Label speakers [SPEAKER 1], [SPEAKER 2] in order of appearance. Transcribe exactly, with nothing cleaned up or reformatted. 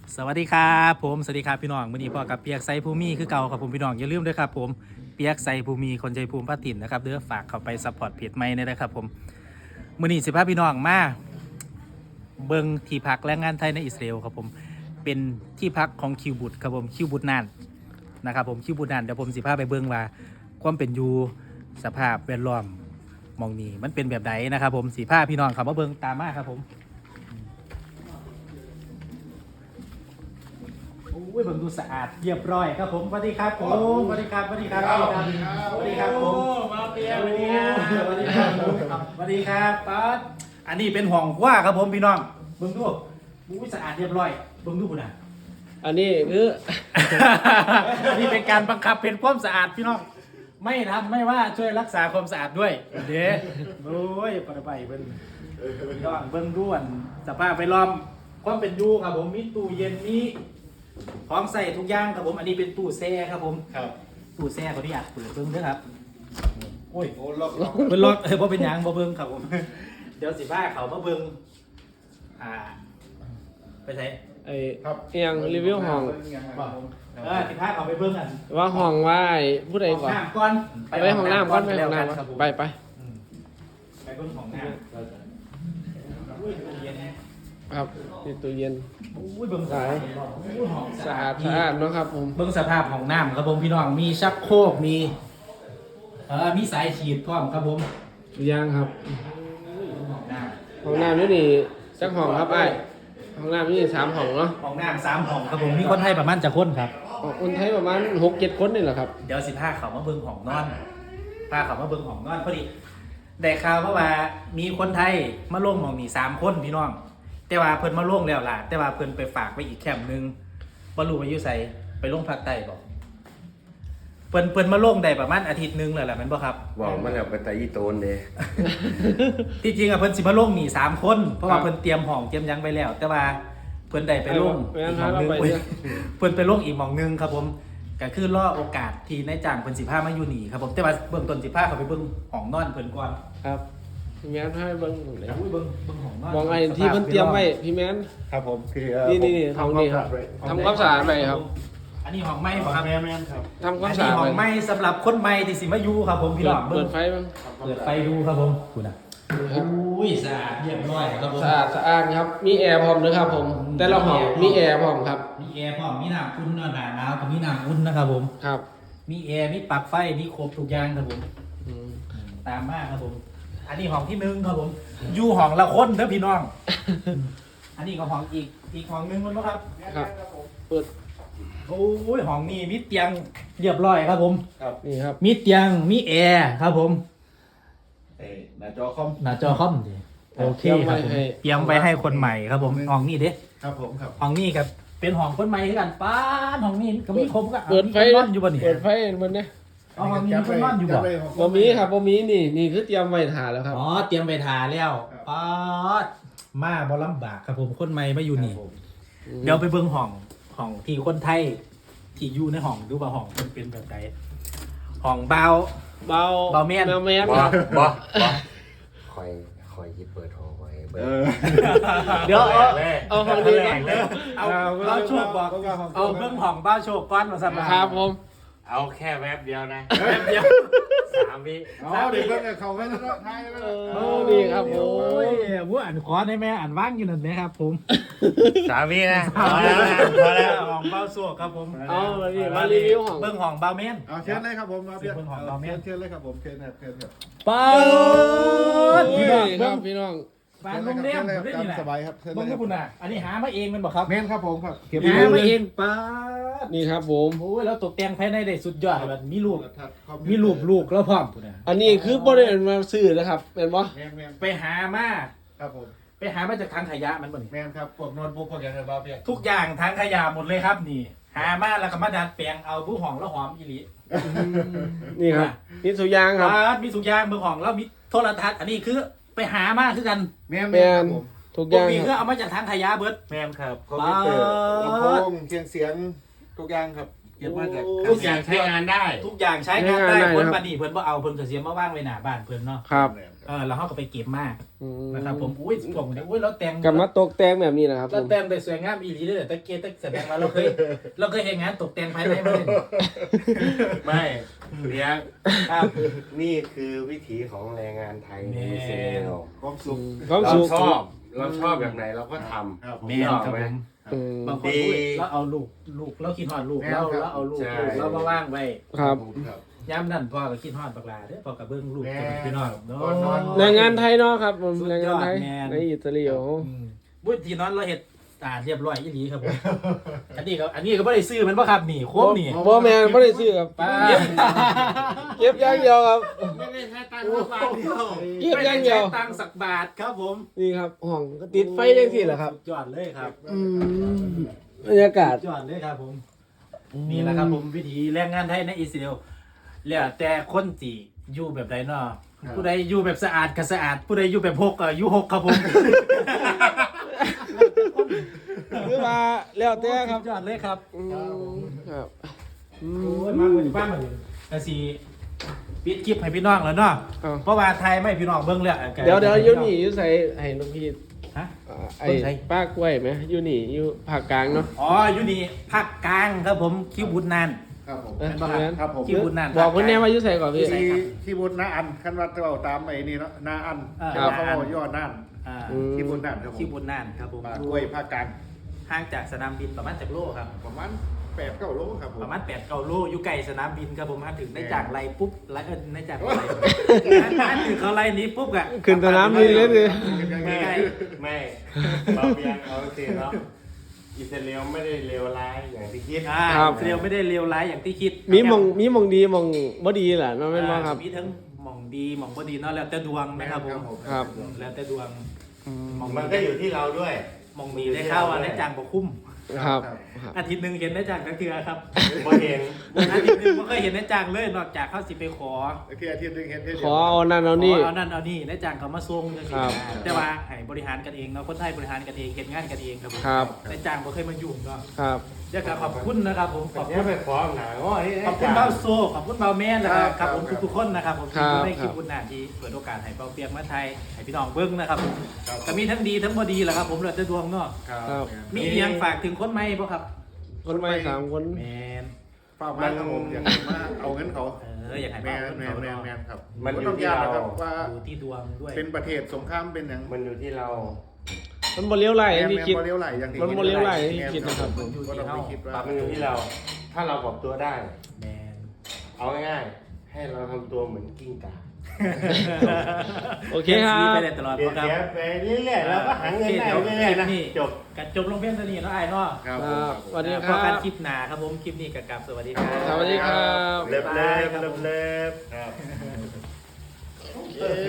[SPEAKER 1] สวัสดีครับผมสวัสดีครับพี่น้องวันนี้พ่อกับเปียกไซภูมิคือเก่าครับผมพี่น้องอย่าลืมด้วยครับผมเปียกไซภูมิคนใจภูมิพัฒน์นะครับเด้อฝากเข้าไปซัพพอร์ตเพจใหม่เลยนะครับผมมื้อนี้สิพาพี่น้องมาเบิ่งที่พักแรงงานไทยในอิสราเอลครับผมเป็นที่พักของคิวบุตครับผมคิวบุตนานนะครับผมคิวบุตนานเดี๋ยวผมสิพาไปเบิ่งว่าความเป็นอยู่สภาพแวดล้อมมองนี้มันเป็นแบบไหนนะครับผมสิพาพี่น้องเข้ามาเบิ่งตามมาครับผมโอ้ยผมดูสะอาดเรียบร้อยครับผมสวัสดีครับผมสวัสดีครับสวัสดีครับสวัสดีครับสวัสดีครับผมมาเปียสวัสดีครับสวัสดีครับสวัสดีครับป๊าดอันนี้เป็นห้องครัวครับผมพี่น้องเบิ่งดูอุ้ยสะอาดเรียบร้อยเบิ่งดูคุณอ่ะ
[SPEAKER 2] อันนี้คือ
[SPEAKER 1] อันนี้เป็นการบังคับเป็นความสะอาดพี่น้องไม่ทำไม่ว่าช่วยรักษาความสะอาดด้วยเด้โอ้ยปะไปเบิ่งพี่น้องเบิ่งดูอันสภาพไปล้อมความเป็นอยู่ครับผมมีตู้เย็นมีพร้อมใส่ทุกอย่างครับผมอันนี้เป็นตู้แช่ครับผมครับตู้แช่เขาที่อยากเปิดเบิ้งด้วยครับโอ้ย
[SPEAKER 3] โอ้ล็อกล็อก
[SPEAKER 1] เป็นล็อกเออเพราะเป็นหยังบ่เบิ้งครับผมเดี๋ยวสิบ้าเขามาเบิ้งอ่าไปใส่
[SPEAKER 2] ไอ้เอียงรีวิวห้อง
[SPEAKER 1] บอกเออสิบ้าเขาไปเบิ้งกัน
[SPEAKER 2] ว่าห้องว่าไอ้ผู้ใด
[SPEAKER 1] ห้อง
[SPEAKER 2] ก่อน
[SPEAKER 1] น้ำก่อน
[SPEAKER 2] ไปห้องน้ำก่อนไปห้องน้
[SPEAKER 1] ครับผม
[SPEAKER 2] ำไปไป
[SPEAKER 1] อืมไปเบิ้งห้องน้ำอุ้ยตู้เย็นแน่
[SPEAKER 2] ครับนี่ตู้เย็น
[SPEAKER 1] อุ้ยเบิ้งสายอุ้ยห้อง
[SPEAKER 2] สะอาดสะอาดเนาะครับผม
[SPEAKER 1] เบิ้งสภาพห้องน้ำครับผมพี่น้องมีชักโครกมีเออมีสายฉีดพร้อมครับผม
[SPEAKER 2] ย่างครับ
[SPEAKER 1] ห้องน้
[SPEAKER 2] ห้องน้ำนี่นี่จักห้องครับไอ้ห้องน้ำนี่สามห้องเนาะ
[SPEAKER 1] ำห้องน้ำสามห้องครับผมมีคนไทยประมาณจะคนครับ
[SPEAKER 2] คนไทยประมาณหกเจ็ดคนนี่แหละครับ
[SPEAKER 1] เดี๋ยวสิพาเขามาเบิ้งห้องนอนพาเขามาเบิ้งห้องนอนพอดีได้ข่าวเพราะว่ามีคนไทยมาลงหมองนี่สามคนพี่น้อง แต่ว่าเพิ่นมาลงแล้วล่ะ แต่ว่าเพิ่นไปฝากไว้อีกแคมป์หนึงบ่รู้ว่าอยู่ไสไปลงภาคใต้บ่เพิ่นเพิ่นมาลงได้ประมาณอาทิตย์หนึงแล้วล่ะแม่นบ่ครับ
[SPEAKER 3] บอกมันแบบเป็นตาอีโตนเด้
[SPEAKER 1] ที่จริงอ่ะเพิ่นสิมาลงนี่สามคนเพราะว่าเพิ่นเตรียมห้องเตรียมหยังไปแล้ว แต่ว่าเพิ่นได้ไปลงอีกห้องหนึงเว้ยเพิ่นไปลงอีกหม่องหนึงครับผมก็คือรอโอกาสที่นายจ้างเพิ่นสิพามาอยู่นี่ครับผมแต่ว่าเบื้องต้นสิพาเขาไปเบิ่งห้องนอนเพิ่นก่อน
[SPEAKER 2] ครับพี่แมนให้เบิ้งเลย
[SPEAKER 1] อุ้ยเบิ่งเบิ่งห้องนอน
[SPEAKER 2] มองไอ้ที่เพิ่นเตรียมไว้พี่แมน
[SPEAKER 3] ครับผมคือ
[SPEAKER 2] นี่นี่นี่ห้องนี้ครับทำความสะอาดไปครับ
[SPEAKER 1] อันนี้ห้องใหม่บ่ครับ
[SPEAKER 3] แม่แม่ครับ
[SPEAKER 2] ทำควา
[SPEAKER 1] อั
[SPEAKER 2] ม
[SPEAKER 1] น
[SPEAKER 2] สะ
[SPEAKER 1] นี้
[SPEAKER 2] อาด
[SPEAKER 1] ห้อ
[SPEAKER 2] ไป
[SPEAKER 1] งใหม่สำหรับคนใหม่ที่สิมาอยู่ครับผมพี่น้อง
[SPEAKER 2] เปิ
[SPEAKER 1] เบิ่
[SPEAKER 2] ด
[SPEAKER 1] ง
[SPEAKER 2] ไฟบ้าง
[SPEAKER 1] เปิดไฟดูครับผมคุณอ่ะอุ้ยสะอาดเรียบร้อยครับผม
[SPEAKER 2] สะอาดสะอาดครับมีแอร์พร้อมด้วยครับผมแต่ละห้องมีแอร์พร้อมครับ
[SPEAKER 1] มีแอร์พร้อมมีน้ำอุ่นหนาหนาวกับมีน้ำอุ่นนะครับผม
[SPEAKER 2] ครับ
[SPEAKER 1] มีแอร์ มีปลั๊กไฟ มีครบทุกอย่างครับผม
[SPEAKER 2] อืม
[SPEAKER 1] ตามมากครับผม อันนี้ห้องที่หนึ่งครับผม อยู่ห้องละคนเด้อพี่น้อง อันนี้ก็ห้องอีก อีกห้องหนึงมันบ่ครับ
[SPEAKER 2] ครับเปิด
[SPEAKER 1] โอ้ยห้องนี้มีเตียงเรียบร้อยครับผม
[SPEAKER 3] ครับ
[SPEAKER 2] นี่ครับ
[SPEAKER 1] มีเตียง มีแอร์ครับผม
[SPEAKER 3] เอ้หน้าจอคอม
[SPEAKER 1] หน้าจอคอมดิโอเคครับผม เตรียมไว้ให้คนใหม่ครับผม ห้องนี้เด้
[SPEAKER 3] ครับผมครับ
[SPEAKER 1] ห้องนี้กับเป็นห้องคนใหม่คือกันป้านห้องนี้ก็มีครบก็
[SPEAKER 2] เปิดไฟ
[SPEAKER 1] มีคนนอนอยู่บ่นี่
[SPEAKER 2] เปิดไฟมันเนี่ย
[SPEAKER 1] เอาห้องนี้มีคนนอนอยู่บ่
[SPEAKER 2] บ่มีครับบ่มีนี่นี่คือเตรียมไว้ถ่าแล้วครับ
[SPEAKER 1] อ๋อเตรียมไปทาแล้วป๊าดมาบ่ลำบากครับผมคนใหม่มาอยู่นี่ เดี๋ยวไปเบิ่งห้องห้องที่คนไทยที่อยู่ในห้องดูว่าห้องมันเป็นแบบไหนห้องเบา
[SPEAKER 2] เบา
[SPEAKER 1] เบาแม่น
[SPEAKER 2] เบาแม่น
[SPEAKER 3] บ
[SPEAKER 2] ค
[SPEAKER 3] อ
[SPEAKER 2] รับ
[SPEAKER 3] บอ
[SPEAKER 4] คอยคอยที่เปิดห้องไว้เบิ
[SPEAKER 3] เอ
[SPEAKER 4] ด
[SPEAKER 3] อ
[SPEAKER 1] เดี๋ยวเอา
[SPEAKER 2] เอาห้องนี้
[SPEAKER 1] แรกเลยเอาเบาโชคบอกเอาเบิ่งห้องเบาโชคก่อนมาสั่นมา
[SPEAKER 2] ครับผม
[SPEAKER 4] เอาแค่แวบเดียวนะ
[SPEAKER 1] แป๊บเดียว
[SPEAKER 4] สามวิ
[SPEAKER 3] เอาเด็กเพิ่งเขาไปแล้วท้ายไปแล้ว
[SPEAKER 2] โอ้นี่ครับโอ้
[SPEAKER 1] โอ้ย
[SPEAKER 2] ย
[SPEAKER 1] ผู้อ่านขอได้ไหมอ่านว่างอยู่นั่นนะครับผม
[SPEAKER 4] สามวินะ
[SPEAKER 1] พอแล้วพอแล้วห้องเบาโชคครับผม
[SPEAKER 2] เอามาดิมารีวิวห้อง
[SPEAKER 1] เบิ่งห้องเบาแม่น
[SPEAKER 3] เอาเชิญเลยครับผมมาเพีย
[SPEAKER 1] เชิญของเราแม่
[SPEAKER 3] เชิญเลยครับผมเชิญครับเชิญครับ
[SPEAKER 1] ป๊าด
[SPEAKER 2] โอ้
[SPEAKER 1] พี่
[SPEAKER 2] ย
[SPEAKER 1] น้อง
[SPEAKER 2] ค
[SPEAKER 1] เบิ่
[SPEAKER 2] รั
[SPEAKER 1] ง
[SPEAKER 2] บพี่น้อง
[SPEAKER 1] บ้านโรงแรมผมได้นี่แหละ
[SPEAKER 3] สบายครับเชิญ
[SPEAKER 1] เบิ่ง
[SPEAKER 3] เล
[SPEAKER 1] ให้
[SPEAKER 3] ย
[SPEAKER 1] คุณน่ะ อันนี้หามาเองแมันบอกครับ
[SPEAKER 3] แม่นครับผมครับเก็บ
[SPEAKER 1] หามาเองป้าด
[SPEAKER 2] นี่ครับผม
[SPEAKER 1] โอ้ยแล้วตกแต่งภายในได้สุดยอดแบบมีรูป
[SPEAKER 3] ทัดคอ
[SPEAKER 1] มีรูปลูกแล้วพร้อมพุ่นน่ะ
[SPEAKER 2] อันนี้คือบ่ได้มาซื้อนะครับเป็นบ่
[SPEAKER 3] แม่นแม่น
[SPEAKER 1] ไปหามา
[SPEAKER 3] ครับผม
[SPEAKER 1] ไปหามาจากทางขยะมันบ่นี่
[SPEAKER 3] แม่นครับพวกโน้ตบุ๊กพวกอย่างไรบ้างเพีย
[SPEAKER 1] ทุกอย่างทางขยะหมดเลยครับนี่ หามาแล้วก็มาดัดแปลงเอาผู้ห้องแล้วหอมอีหลี
[SPEAKER 2] นี่ครับนี่สุยางครับ
[SPEAKER 1] ป้าดมีสุกอยางเบิ่งห้องแล้วมีโทรทัศน์อันนี้คือไปหามาคือกัน
[SPEAKER 3] แม่น
[SPEAKER 2] แม
[SPEAKER 3] แม่น
[SPEAKER 2] น
[SPEAKER 3] ครับผม
[SPEAKER 2] ทุก
[SPEAKER 1] พ
[SPEAKER 2] อ
[SPEAKER 1] วก
[SPEAKER 2] ย่าง
[SPEAKER 1] นี้
[SPEAKER 2] ค
[SPEAKER 1] คือ
[SPEAKER 2] รับ
[SPEAKER 1] เอามาจากทางขยะเบิด
[SPEAKER 3] แม่นครับคอมพิวเตอร์ลำโพงเครื่องเสียงทุกอย่างครับ
[SPEAKER 1] เก็บมาจาก
[SPEAKER 4] ทุกอย่างใช้งานได้
[SPEAKER 1] ทุกอย่างใช้งานได้เพิ่นปานนี้เพิ่นบ่เอาเพิ่นก็เสียมาว่างไว้หน้าบ้านเพิ่นเนาะ
[SPEAKER 2] ครับ
[SPEAKER 1] เออแล้วเฮาก็ไปเก็บมา
[SPEAKER 2] อืม
[SPEAKER 1] นะครับผมอุ้ยผมเนี่ยอุ้ยแล้วแต่ง
[SPEAKER 2] กลับมาตกแต่งแบบนี้นะครับผ
[SPEAKER 1] แล้ว
[SPEAKER 2] ม
[SPEAKER 1] แต่งได้สวยงามอีหลีเด้อตะเกียบตะแสดงว่าเราเคยเราเคยเฮ็ดงานตกแต่งภายในมาเลย
[SPEAKER 4] ไม่เลี้ยง
[SPEAKER 1] ครับ
[SPEAKER 4] นี่คือวิถีของแรงงานไทยในอิสราเอล
[SPEAKER 3] ความสุข
[SPEAKER 2] ความ
[SPEAKER 4] เรา
[SPEAKER 2] สุข
[SPEAKER 4] ชอบ เราชอบแบบไหนเราก็ทำ
[SPEAKER 3] ครับผม
[SPEAKER 1] แม่นครับผม
[SPEAKER 2] อืม
[SPEAKER 1] บางคนอุ้ยเราเอาลูกลูกเราคิดฮอดลูกเราเราเอาลูก
[SPEAKER 4] ใช่
[SPEAKER 1] ลูกเรามาว่างไว้
[SPEAKER 2] ครับ
[SPEAKER 3] ครับ
[SPEAKER 1] ยามนั้นพ่อก็คิดฮอดบักหลาเด้อพ่อก็เบิ่งลูก
[SPEAKER 3] แม่
[SPEAKER 1] กับพี่น้องเนา
[SPEAKER 3] ก่อนนอน
[SPEAKER 1] ะ
[SPEAKER 2] แรงงานไทยเนาะครับผม
[SPEAKER 1] สุด
[SPEAKER 2] แรง
[SPEAKER 1] ย
[SPEAKER 2] งา
[SPEAKER 1] อน ด
[SPEAKER 2] ไทย
[SPEAKER 1] แม่น
[SPEAKER 2] ในอิตาลีโอ้
[SPEAKER 1] อืมบุ้ยที่นอนเราเฮ็ดสะอาดเรียบร้อยอีหลีครับผมอันนี้ก็อันนี้ก็บ่ได้ซื้อมันบ่ครับนี่โคมนี่
[SPEAKER 2] บ่แม่นบ่ได้ซื้อครับ
[SPEAKER 1] ป้า
[SPEAKER 2] เก็บอย่างเดียวครับ
[SPEAKER 4] ไม่ได้ใช้ตังค์สักบาทเดียว
[SPEAKER 2] เก็บอย่างเดียว
[SPEAKER 1] ไม่ไใช้ตังค์สักบาทครับผม
[SPEAKER 2] นี่ครับห้องก็ติดไฟจังซี่แหละครับ
[SPEAKER 1] สุดยอดเลยครับ
[SPEAKER 2] อืมบรรยากาศ
[SPEAKER 1] สุดยอดเลยครับผม นี่แหละครับผมวิธีแรงงานไทยในอิสราเอลแล้วแต่คนสิอยู่แบบใดเนาะผู้ใดอยู่แบบสะอาดก็สะอาด ผู้ใดอยู่แบบหกก็อยู่หกครับผม
[SPEAKER 2] คือว่าแล้วแต่ครับ
[SPEAKER 1] สุดยอดเลยครับ
[SPEAKER 2] อืมครับอื
[SPEAKER 1] โอ้
[SPEAKER 2] ม
[SPEAKER 1] ยมาเหมือนบ้านเหมือนกะสีปิดคลิปให้พี่น้องแล้วเนาะ
[SPEAKER 2] อ้าว
[SPEAKER 1] เพราะว่าไทยไม่พี่น้องเบิ่งแล้ว
[SPEAKER 2] เดี๋ยวเดี๋ยวอยู่นี่อยู่ใส่ให้ลูกพี่
[SPEAKER 1] ฮะ
[SPEAKER 2] อ่าไอ้
[SPEAKER 1] เพิ่นใส่
[SPEAKER 2] ป้ากล้วยไหมอยู่นี่อยู่ภาคกลางเนาะ
[SPEAKER 1] อ๋ออยู่นี่ภาคกลางครับผมคิวบุญนาน
[SPEAKER 3] ครับผม
[SPEAKER 2] เอ้ย
[SPEAKER 1] เป็นบ่ครับ
[SPEAKER 3] ครับผม
[SPEAKER 1] คิวบุญนาน
[SPEAKER 2] บอกคนแน่ว่าอยู่ใส่ก่อนพี่
[SPEAKER 1] อยู่ไส
[SPEAKER 3] ที่
[SPEAKER 1] ครับ
[SPEAKER 3] ที่บุญนาอันคันวัดเราตามไอ้นี่เนาะนาอัน
[SPEAKER 1] อ่า
[SPEAKER 3] แต่ว่าเขาบอกย่อน่าน
[SPEAKER 1] อ่า
[SPEAKER 2] อืม
[SPEAKER 3] ที่บุญน่านครับผม
[SPEAKER 1] คิวบุญนานครับผม
[SPEAKER 3] ปากกล้วยภาคกลาง
[SPEAKER 1] ห่างจากสนามบินประมาณจากโลครับ
[SPEAKER 3] ประมาณแปดเก้าโลครับผม
[SPEAKER 1] ประมาณแปดเก้าโลอยู่ไกลสนามบินครับผมมาถึงได้จากไรปุ๊บไรเออได้จากไรมาถึงเขาไรนี้ปุ๊บอะ
[SPEAKER 2] ขึ้นสนามบินเลยสิ
[SPEAKER 4] ไม่ไม่เราเพียงเอาจริงเนาะอิสราเอลไม่ได้เลวร้ายอย่างที่คิด
[SPEAKER 1] อ่าเรียวไม่ได้เรียวร้ายอย่างที่คิด
[SPEAKER 2] มีหมองมีหมองดีหมองบ่ดีแหละเนาะแม่นบ่ครับ
[SPEAKER 1] มีทั้งหม่องดีหม่องบ่ดีเนาะแล้วแต่ดวงนะครับผม
[SPEAKER 2] ครับ
[SPEAKER 1] แล้วแต่ดวงหม่อง
[SPEAKER 4] มันก็อยู่ที่เราด้วย
[SPEAKER 1] หม่องดีได้เข้าอ่ะได้จางบ่คุ้ม
[SPEAKER 2] ครับครับ
[SPEAKER 1] อาทิตย์หนึงเห็นได้จางทั้งเทือครับ
[SPEAKER 4] บ่เห็น
[SPEAKER 1] อาทิตย์หนึงบ่เคยเห็นได้จางเลยนอกจากเขาสิไปขอ
[SPEAKER 3] โอเคอาทิตย์หนึงเห็นเท่
[SPEAKER 2] ขอเอานั่นเอานี่
[SPEAKER 1] ขอเอานั่นเอานี่ได้จางเขามาส่งจังซี่
[SPEAKER 2] ครับ
[SPEAKER 1] นะแต่ว่าให้บริหารกันเองเนาะคนไทยบริหารกันเองเฮ็ดงานกันเองครับผม
[SPEAKER 2] ครับ
[SPEAKER 1] ได้จางบ่เคยมายุ่งเนาะ
[SPEAKER 2] ครับ
[SPEAKER 1] เดี๋ยวก็ขอบคุณนะครับผมขอบ
[SPEAKER 4] เนี่
[SPEAKER 1] คุ
[SPEAKER 4] ย
[SPEAKER 1] ณ
[SPEAKER 4] ไปฟ้องหนาง้อนี่
[SPEAKER 1] ขอบคุณเบาโซขอบคุณเบาแม่นนะครับครับผมทุกๆคนนะครับผม
[SPEAKER 2] ครั
[SPEAKER 1] ที่
[SPEAKER 2] บ
[SPEAKER 1] ได้คลิปบุญนาที่เปิดโอกาสให้เบาเปียกมาไทยให้พี่น้องเบิ้งนะครับผมก็มีทั้งดีทั้งบ่ดีแหละครับผมเหลือแต่ดวงเนาะ
[SPEAKER 2] ครับ
[SPEAKER 1] มีอีหยังฝากถึงคนใหม่บ่ครับ
[SPEAKER 2] คนใหม่สามคน
[SPEAKER 1] แมน
[SPEAKER 3] เป้าหมายครับผมอยากให้มาเอาเงินเขา
[SPEAKER 1] เอออยากให้
[SPEAKER 3] แม
[SPEAKER 1] เบาน เงิน
[SPEAKER 3] แมน
[SPEAKER 1] เขา
[SPEAKER 3] แมน
[SPEAKER 1] เนาะ
[SPEAKER 3] แมนครับ
[SPEAKER 4] มันอยู่
[SPEAKER 3] ต้อง
[SPEAKER 4] ที่
[SPEAKER 3] ยาก
[SPEAKER 4] เรา
[SPEAKER 3] นะครับว่า
[SPEAKER 1] ดูที่ดวงด้วย
[SPEAKER 3] เป็นประเทศสงครามเป็นอย่าง
[SPEAKER 4] มันอยู่ที่เรา
[SPEAKER 2] มันบ่เลี้ยวไหล
[SPEAKER 3] แม
[SPEAKER 2] อย่าง
[SPEAKER 3] น
[SPEAKER 2] ที่
[SPEAKER 3] แมน
[SPEAKER 2] คิด
[SPEAKER 3] บ่เลี้ยวไหลอย่างที่
[SPEAKER 2] มันบ่เลี้ยวไหลอย่างที่คิดนะครับ
[SPEAKER 3] ผมก็ต้องไปคิดว่า
[SPEAKER 4] มันอยู่ที่เรา ถ้าเราปรับตัวได้
[SPEAKER 1] แมน
[SPEAKER 4] เอาง่ายๆ ให้เราทำตัวเหมือนกิ้งก่า
[SPEAKER 2] โอเคครับ
[SPEAKER 1] ไปได้ตลอด
[SPEAKER 4] เดี๋ยว
[SPEAKER 1] ครับ
[SPEAKER 4] เสียไปเรื่อยๆแล้วก็หาเงินได้เรื่อยๆนะจบ
[SPEAKER 1] กันจบลงเพียงเท่านี้เนาะไอ้เนาะ
[SPEAKER 3] ครับ
[SPEAKER 2] ครับสวัสดีค
[SPEAKER 1] พอ
[SPEAKER 2] รั
[SPEAKER 1] กัน
[SPEAKER 2] บ
[SPEAKER 1] คลิปหน้าครับผมคลิปนี้กับกับสวัสดีครับ
[SPEAKER 2] สวัสดีครับ
[SPEAKER 4] เลิฟเลิฟเลิฟเลิฟครับ